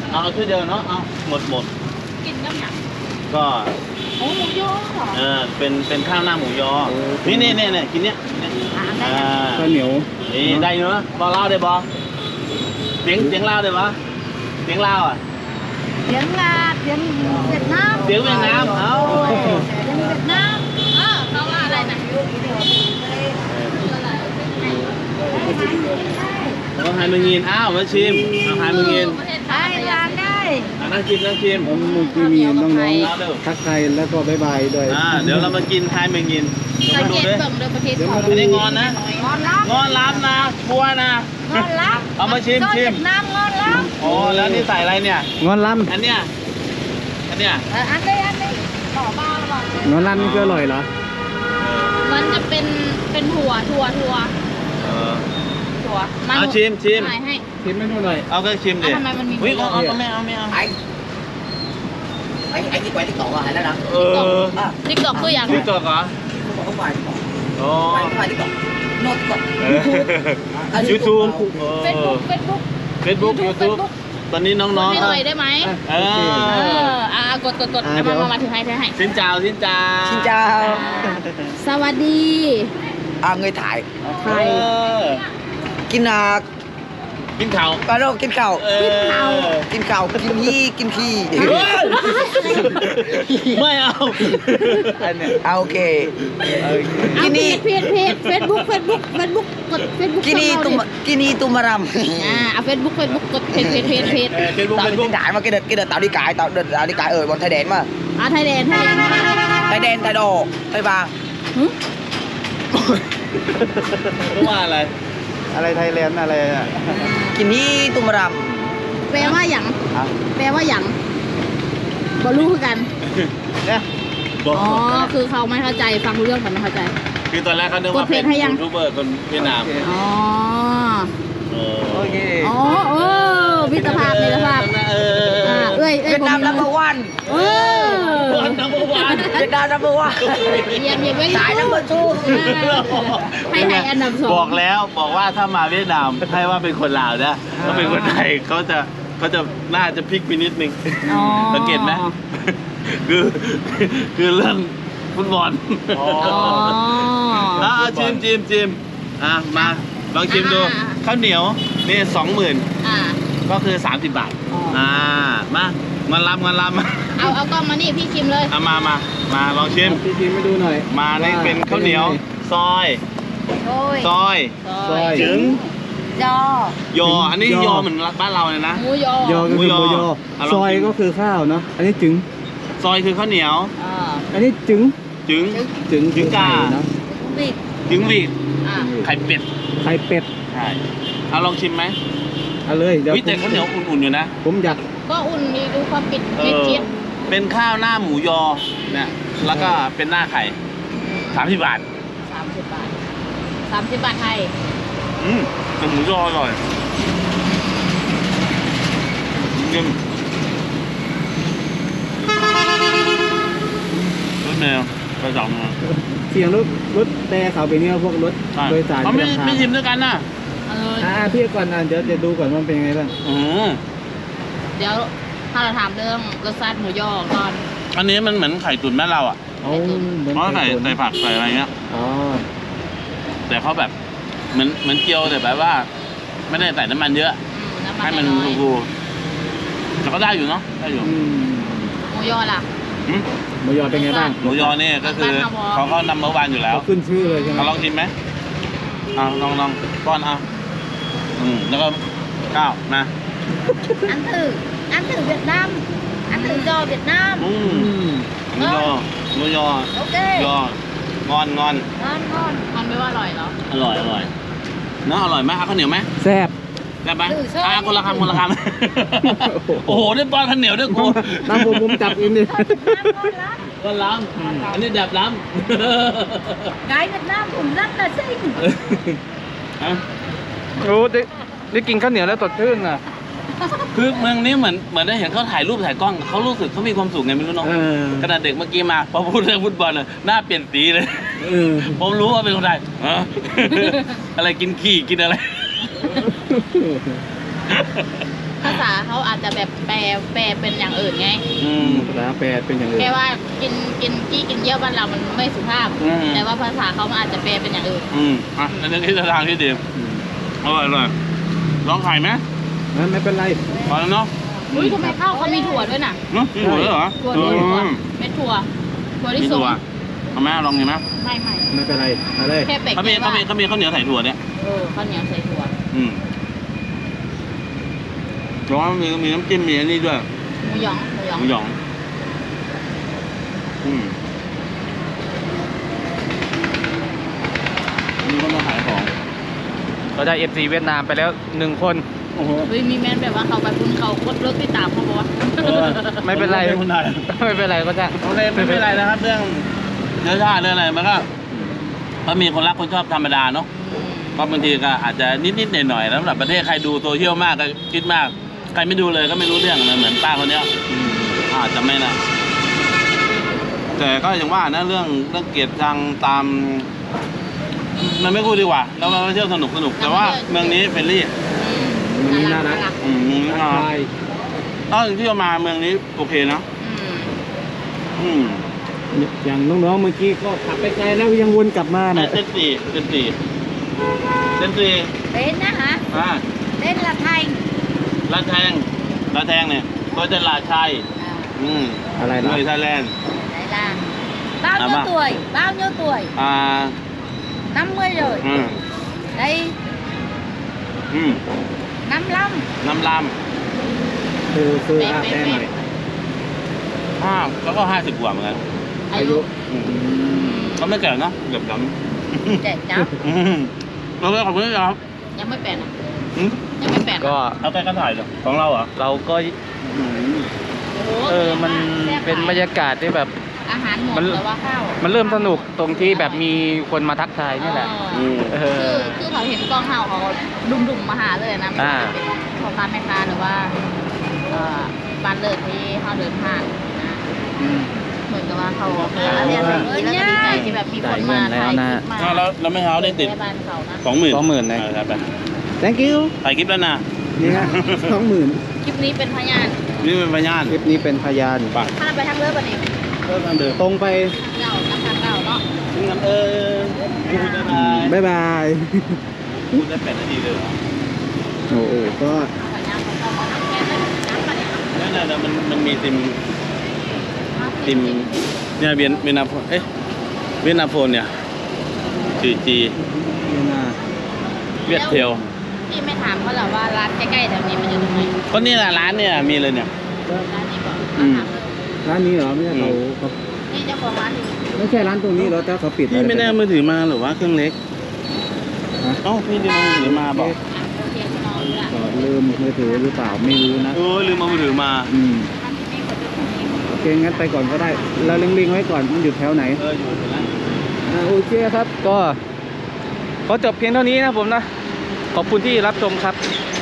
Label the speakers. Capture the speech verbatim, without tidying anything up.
Speaker 1: เอาถ้วยเดียวเนาะเอาหมดหมด
Speaker 2: กินกับหยัง
Speaker 1: ก็
Speaker 2: โอ้หมูยอ
Speaker 1: เออเป็นเป็นข้าวหน้าหมูยอนี่นี่นี่นี่กินเนี้ยอ่า
Speaker 3: ข้าวเหนียว
Speaker 1: นี่ได้เนาะบอเล่าได้บอเสียงเสียงเล่าได้บอเสียงเล่าอ่ะ
Speaker 2: เสียงลาเสียงเวียดนาม
Speaker 1: เสียงเวียดนามเอา
Speaker 2: เสียงเวียดนามเออเขาว่าอะไรนะ
Speaker 1: ต้องให้มึงยินอ้าวมาชิมต้องให้มึงยิน
Speaker 2: ไอ้ร้านได้
Speaker 1: นั่งชิมนั่งชิม
Speaker 3: ผมมึงที่มีน้องๆทักทายแล้วก็บายบายด้วย
Speaker 1: อ่าเดี๋ยวเรามากินให้มึงยิน
Speaker 2: สังเกตเบิ่งเดินประเทศเขา
Speaker 1: ไม่ได้งอนนะ
Speaker 2: งอนล้ำ
Speaker 1: งอนล้ำนะกลัวนะ
Speaker 2: งอนล้ำ
Speaker 1: เอามาชิมชิม
Speaker 2: น้ำงอนล้ำ
Speaker 1: โอ้แล้วนี่ใส่อะไรเนี่ย
Speaker 3: งอนล้ำ
Speaker 1: อันเนี้ยอันเนี้ย
Speaker 2: อันนี้อันนี้ต่อบ้าหรอง
Speaker 3: อนล้ำนี่ก็อร่อยเหรอ
Speaker 2: มันจะเป็นเป็นถั่วถั่วถั่วถั่ว
Speaker 1: เอาชิมชิม
Speaker 2: ให้
Speaker 3: ชิมไม่รู้หน่อย
Speaker 1: เอาก็ชิมดิ
Speaker 2: ทำไมมันมี
Speaker 1: วิ่งเอาเอาไม่เอาไม่เอา
Speaker 4: ไอ้ไอ้ไอ้ที่ไปที่เกาะอะไรแล้วนะ
Speaker 1: เออ
Speaker 2: ติ๊กตอกตัวอย่าง
Speaker 1: ติ๊กตอกเหรอ
Speaker 4: เขาไปที่เกาะ
Speaker 1: โอ้
Speaker 4: ไปที่เกาะโน้ตเกาะ
Speaker 1: ยูทูบ
Speaker 2: เฟซบุ๊กเฟซบุ๊ก
Speaker 1: เฟซบุ๊กยูทูบตอนนี้น้องๆ
Speaker 2: ให้หน่อยได้ไหม
Speaker 1: เออ
Speaker 2: อ่ากดกดกดมามามาถือให้ถือให้
Speaker 1: สินเจ้าสินเจ้า
Speaker 4: สินเจ้า
Speaker 2: สวัสดี
Speaker 4: อ่าเงยถ่าย
Speaker 2: ถ่าย
Speaker 4: กินอ่ะ
Speaker 1: กินข้าว
Speaker 4: ปลาโรกินข้าว
Speaker 2: กินข้าว
Speaker 4: กินข้าวกินยี่กินขี้
Speaker 1: ไม่เอา
Speaker 4: เอาโอเค
Speaker 2: กินนี่เพจเพจเฟซบุ๊กเฟซบุ๊กเฟซบุ๊กกดเฟซบุ๊ก
Speaker 4: กินนี่ตุ่มกินนี่ตุ่มมารำ
Speaker 2: อ่าเอาเฟซบุ๊กเฟซบุ๊กกดเพจเพจเพจเพจ
Speaker 1: เฟซบุ๊กเฟซบุ๊ก
Speaker 4: ถ่ายมากินเด็ดกินเด็ดตาวดีกายตาวเด็ดตาวดีกายเออบอลไทยแดนมา
Speaker 2: อ่าไทยแดนไทยแดน
Speaker 4: ไทยแดนไทยโดไทยบาง
Speaker 1: ว่าอะไร
Speaker 3: อะไรไทยแลนด์อะไรอ่ะ
Speaker 4: กินนี่ตุ่มมารำ
Speaker 2: แปลว่าหยังแปลว่าหยังบอรู้คือกัน
Speaker 3: เนี่ย
Speaker 2: อ๋อคือเขาไม่เข้าใจฟังเรื่องแต่ไม่เข้าใจ
Speaker 1: คือตอนแรกเขาคิดว่าเป็นยูทูบเบอร์คนเวียดนาม
Speaker 2: อ๋อ
Speaker 4: โอเค
Speaker 2: อ๋อโอ้มิตรภาพมิตรภาพ
Speaker 1: เออ
Speaker 2: เอ้ย
Speaker 4: เวียดนามนัมเบอร์วัน
Speaker 2: เออ
Speaker 1: นัมเบอร์วัน
Speaker 4: เวียดนามนัมเบอร์วัน
Speaker 2: เยี่ยมเยี่ยม
Speaker 4: สายนัมเบอร์ทู
Speaker 2: ให้ให้อันดับสอง
Speaker 1: บอกแล้วบอกว่าถ้ามาเวียดนามให้ว่าเป็นคนลาวนะถ้าเป็นคนไทยเขาจะเขาจะน่าจะพลิกไปนิดนึงสังเกตไหมคือคือเรื่องฟุตบอลอ๋อชิมชิมชิมอ่ะมาลองชิมดูข้าวเหนียวนี่สองหมื่นก็คือสามสิบบาทอ่ามาเงินรับเงินรับ
Speaker 2: เอาเอากล้องมานี่พี่ชิมเลย
Speaker 1: เอามามามาลองชิม
Speaker 3: พี่ชิมให้ดูหน่อย
Speaker 1: มานี่เป็นข้าวเหนียวซอยซอยจึง
Speaker 2: ย
Speaker 1: อยออันนี้ยอเหมือนบ้านเราเลยนะ
Speaker 2: หมูยอย
Speaker 3: อก็คือหมูยอซอยก็คือข้าวเนาะอันนี้จึง
Speaker 1: ซอยคือข้าวเหนียว
Speaker 3: อันนี้จึง
Speaker 1: จึง
Speaker 3: จึง
Speaker 1: จึงกาจึงวีดไข่เป็ด
Speaker 3: ไข่เป็ด
Speaker 1: ใช่เอาลองชิมไหม
Speaker 3: เอาเลยเดี๋ยว
Speaker 1: วิแต่ข้าวเหนียวอุ่นๆอยู่นะ
Speaker 3: ผมอยาก
Speaker 2: ก็อุ่นมีดูความปิดเจี๊ยบ
Speaker 1: เป็นข้าวหน้าหมูยอเนี่ยแล้วก็เป็นหน้าไข่สามสิบบาท
Speaker 2: สามสิบบาทสามสิบบาทไทย
Speaker 1: อืมแต่หมูยออร่อยยิ่งรถแมวไปสองมา
Speaker 3: เสียงรถรถแต่เขาไปเนี่ยพวกรถโดยสาร
Speaker 1: เขาไม่ไม่ชิมด้วยกันนะ
Speaker 3: อ่าพี่ก่อนนะเดี๋ยวจะดูก่อนว่าเป็นยังไงบ้าง
Speaker 1: อือ
Speaker 2: เดี๋ยวถ้าเราถามเรื่องรสชาติหมูยอก่อน
Speaker 1: อันนี้มันเหมือนไข่ตุ๋นแม่เราอ่ะเพราะใส่ใส่ผักใส่อะไรเงี้ย
Speaker 3: อ๋อ
Speaker 1: แต่เขาแบบเหมือนเหมือนเกี๊ยวแต่แบบว่าไม่ได้ใส่น้ำมันเยอะให้มันฟูๆแต่ก็ได้อยู่เนาะได้อยู่
Speaker 2: หมูยอล่ะ
Speaker 3: หมูยอเป็นไงบ้าง
Speaker 1: หมูยอเนี่ยก็คือเขาเขานำมาวันอยู่แล้ว
Speaker 3: ขึ้นชื่อเลยใช่ไหม
Speaker 1: ลองชิมไหมเอาลองลองป้อนเอาอืมแล้วก็ข้าวนะ
Speaker 2: อันถืออันถือเวียดนามอันถือยอเวียดนาม
Speaker 1: อืมหมูยอหมูยอ
Speaker 2: โอเค
Speaker 1: ยองอนงอน
Speaker 2: งอนงอนงอนไม่ว่าอร่อยเหรอ
Speaker 1: อร่อยอร่อยเนาะอร่อยไหมข้าวเหนียวไหม
Speaker 3: แซ่บ
Speaker 1: แซ่บไหมอ่ะคนละคำคนละคำโอ้โหได้ป้อนข้าวเหนียวด้วยกู
Speaker 3: น้ำผมผมจับเองดิ
Speaker 1: ก็ล้ำอันนี้แบบล้
Speaker 2: ำไก่เวียดนามผมรักแต่ซิ่ง
Speaker 3: โอ้ได้ได้กินข้าวเหนียวแล้วสดชื่นอ่ะ
Speaker 1: คือเมืองนี้เหมือนเหมือนได้เห็นเขาถ่ายรูปถ่ายกล้องเขารู้สึกเขามีความสุขไงไม่รู้น้องขนาดเด็กเมื่อกี้มาพอพูดเรื่องฟุตบอลเลยหน้าเปลี่ยนสีเลยผมรู้ว่าเป็นคนไทยอะไรกินขี้กินอะไร
Speaker 2: ภาษาเขาอาจจะแบบแปลแปลเป็นอย่างอื่นไง
Speaker 1: อืม
Speaker 3: ภาษาแปลเป็นอย่างอื่น
Speaker 2: แค่ว่ากินกินกี้กินเยี่ยวบ้านเรามันไม่สุภาพ
Speaker 1: อืม
Speaker 2: แต่ว่าภาษาเขามันอาจจะแปลเป็นอย่างอื่น
Speaker 1: อืมอ่ะอันนี้ที่ทางที่ดี
Speaker 3: อืม
Speaker 1: อร่อยอร่อยลองไข่ไหม
Speaker 3: งั้นไม่เป็นไร
Speaker 1: พอแล้วเนาะ
Speaker 2: อุ้ยทำไมข้าวเขามีถั่วด้วยน่ะ
Speaker 1: เนาะมีถั่วด้วยเหรอ
Speaker 2: ถั่วด้วยถั่ว
Speaker 1: อืม
Speaker 2: เม็ดถั่วถั่ว
Speaker 1: มี
Speaker 2: ที่สุ
Speaker 1: ถั่วเอาไหมลองดีไหม
Speaker 2: ไม่ไม่
Speaker 3: ไม่เป็นไรเอาเลย
Speaker 2: แค่เป็ด
Speaker 1: เขามีเขามีเขามีข้าวเหนียวใส่ถั่วเนี่ย
Speaker 2: เออข้าวเหนียวใส่ถั่ว
Speaker 1: อืมร้อนมีมีน้ำจิ้มมีอันนี้ด้วย
Speaker 2: หมูหยองหมูหยอง
Speaker 1: หมูหยอง อืมมีคนมาขายของ
Speaker 5: เราได้เอฟซีเวียดนามไปแล้วหนึ่งคน
Speaker 1: โอ้โห
Speaker 2: เฮ้ยมีแมนแบบว่าเขาไปพุ่นเขากดรถติดตามเขาบอกว่า
Speaker 5: ไม่เป็นไร
Speaker 1: คนไทย
Speaker 5: ไม่เป็นไรก็จะ
Speaker 1: โอเคไม่เป็นไรนะครับเรื่องเนื้อชาติเรื่องอะไรมันก็ก็มีคนรักคนชอบธรรมดาเนาะก็บางทีก็อาจจะนิดๆหน่อยๆแล้วสำหรับประเทศใครดูโซเชียลมากก็คิดมากใครไม่ดูเลยก็ไม่รู้เรื่องนะเหมือนป้าคนเนี้ยอาจจะไม่นะแต่ก็อย่างว่านะเรื่องเรื่องเกียรติทางตามมันไม่พูดดีกว่าเรามาเที่ยวสนุกสนุกแต่ว่าเมืองนี้เฟรนลี่
Speaker 3: มันนี่น่ารัก
Speaker 1: อืม
Speaker 3: ทัก
Speaker 1: อ่า
Speaker 3: ทาย
Speaker 1: ตอนที่เรามาเมืองนี้โอเคนะ
Speaker 2: อืม
Speaker 1: อืม
Speaker 3: อย่างน้องๆเมื่อกี้ก็ขับไปไกลแล้วยังวนกลับมา
Speaker 1: เส้
Speaker 3: น่ะ
Speaker 1: นสี่เส้นสี่เส้นสี่
Speaker 2: เป็นนะฮะ
Speaker 1: อ่า
Speaker 2: เล่นละไทย
Speaker 1: ลาดแทงลาดแทงเนี่ยก็จะลาดชัยอืม
Speaker 3: อะไรล่ะ
Speaker 1: เมืองไทยแลนด์
Speaker 2: ไหนล่ะbao nhiêu
Speaker 1: À,
Speaker 2: tuổi bao nhiêu tuổi
Speaker 1: อ่า
Speaker 2: năm mươi rồi
Speaker 1: อืม
Speaker 2: đây
Speaker 1: อืม
Speaker 2: năm lăm
Speaker 1: น้ำล
Speaker 3: คือคืออาแน่หน่อย
Speaker 1: ำห้าแล้วก็ห้าสิบกว่าเหมือนกัน
Speaker 3: อายุ
Speaker 1: อืมก็ไม่แก่เนอะเกือบด
Speaker 2: trẻ cháu
Speaker 1: ำอืมเราเลยขอบคุณครับ
Speaker 2: ยังไม่แปลนอ่ะ
Speaker 1: อืม
Speaker 2: ยังไม่แปลน
Speaker 5: ก็
Speaker 1: เอาใกล้กันถ่ายเหรอของเราเหรอ
Speaker 5: เราก็
Speaker 1: อืม
Speaker 2: โอ้โห
Speaker 5: เออมัน
Speaker 2: แซ่บ
Speaker 5: เป็นบรรยากาศที่แบบ
Speaker 2: อาหารหมด
Speaker 5: มัน
Speaker 2: แต่ว่าข้าว
Speaker 5: มันเริ่มสนุกตรงที่แบบมีคนมาทักทายนี่แหละ
Speaker 1: อืม
Speaker 5: เอ
Speaker 2: คือ
Speaker 5: อ
Speaker 2: คือเขาเห็นกล้องเห่าเขาดุมๆมาหาเลยนะไม่
Speaker 5: อ่า
Speaker 2: ว่าจะเป็นพ่อค้าแม่ค้าหรือว่าเอ่อบ้านเลิศที่เขาเดินผ่านนะ
Speaker 5: อืม
Speaker 2: เหมือนกับว่าเขาเออเรียนแบบนี้แล้วก็ดีใจที่แบบมีคนมาถ่ายคลิปมา
Speaker 1: อ่าแล้วแล้วไม่เท้าได้ติด
Speaker 2: แม่บ้านเขานะ
Speaker 1: สองหมื่น
Speaker 5: สองหมื่นเลย
Speaker 1: ครับไป
Speaker 3: thank you
Speaker 1: ถ่ายคลิปแล้วนะ
Speaker 3: นี่ฮะสองหมื่น
Speaker 2: คลิปนี้เป็นพยาน
Speaker 1: นี่เป็นพยาน
Speaker 3: คลิปนี้เป็นพยาน
Speaker 1: ไป
Speaker 2: ถ้าไปทางเรือบันเอง
Speaker 1: เริ่มทางเดิม
Speaker 3: ตรงไป
Speaker 2: เก่าทางเก่าเนาะ
Speaker 1: ถึงกันเออพูดได้ไหม
Speaker 3: บ๊ายบาย
Speaker 1: พูดได้แปดนาทีเลยเหรอ
Speaker 3: โอ้โหก็
Speaker 2: พยานเขาเข้ามาแค่นั้นน้ำบันเอง
Speaker 1: นั่นน่ะมันมันมีติมติมเนี่ยเวียนเวียนาโฟนเอ๊ะเวียนาโฟนเนี่ยจีจี
Speaker 3: นี่นะ
Speaker 1: เวียดเทล
Speaker 2: พี่ไม่ถามเขาหรอว่าร้านใกล้ๆแถวนี้มันอยู่ตรงไหน
Speaker 1: ก็นี่แหละร้านเนี่ยมีเลยเนี่ย
Speaker 2: ร้านนี้ก่อน
Speaker 1: อืม
Speaker 2: ถามเลย
Speaker 3: ร้านนี้เหรอไม่ใช่เขา
Speaker 1: อืม
Speaker 3: เขา
Speaker 2: นี่เจ้าของร้านอยู่
Speaker 3: ไม่ใช่ร้านตรงนี้เหรอแต่เขาปิด
Speaker 1: พี่ไม่ได้เอามือถือมาหรือว่าเครื่องเล็ก
Speaker 3: ฮะ
Speaker 1: เอ้าพี่ลืมเอามือถือมาบอก
Speaker 2: อ่ะโอเคพี่น้องเลือก
Speaker 3: ก็ลืมมือถือหรือเปล่าไม่รู้นะ
Speaker 1: โอ้ยลืมเอามือถือมา
Speaker 3: อืม
Speaker 2: ร้านที่นี่คนที่นี่
Speaker 3: โอเคงั้นไปก่อนก็ได้ เราเล็งๆไว้ก่อนมันอยู่แถวไหน
Speaker 1: เอออยู่เห็นแล้ว
Speaker 3: อ่าโอเคครับ
Speaker 5: ก็ขอจบเพียงเท่านี้นะผมนะ ขอบคุณที่รับชมครับ
Speaker 3: ค